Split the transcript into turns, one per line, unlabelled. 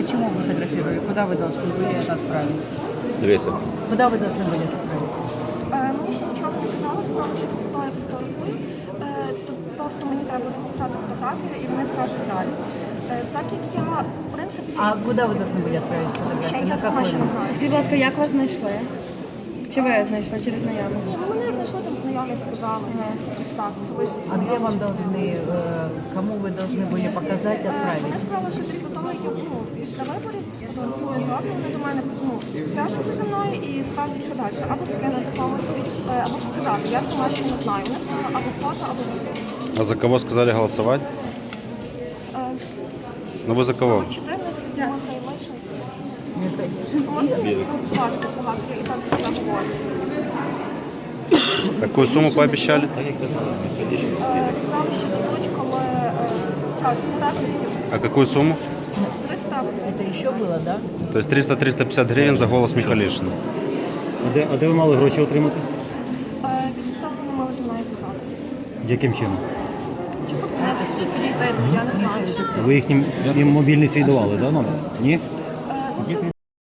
почему вы фотографировали? Куда вы должны были это отправить?
Дивися.
Куда вы должны были это отправить?
Мені ще нічого не казали, сказали, що після того, як фотографую, то просто мені треба написати фотографію і вони скажуть далі. Так як я, в принципі,
А куда вы должны были отправить
ще
фотографию?
я
На
сама
какой?
ще не знаю.
Скажіть, будь ласка, як вас знайшли? Чи ви знайшли через знайомих?
Ні, ну мене знайшли там знайомі, сказали. Ось так, це вийшло
А где
знайомі.
вам должны, кому вы должны были показать,
Вони
отправить?
сказали, що після того, як я після виборів сфотографую зовні, вони до мене зв'яжуться зі мною і скажуть, що далі. Або скинути комусь, або показати. Я сама ще не знаю. Вони сказали або фото, або відео.
А за кого сказали голосовать? Ну вы за кого?
14 я лише.
Михаил.
Можна фото показати і так заходити.
Какую сумму пообещали?
Сказали, що дадуть, коли кажуть, перегляд
А какую сумму?
300 або 300.
Это еще было, да?
То есть 300-350 гривен за голос Михалишина.
А де ви мали гроші отримати?
Після цього вони мали зі мною зв'язатися.
Яким чином?
Чи подзвонити, чи підійти, я не знаю.
Ви їм мобільний свій давали, да, номер? Ні?
Ну, це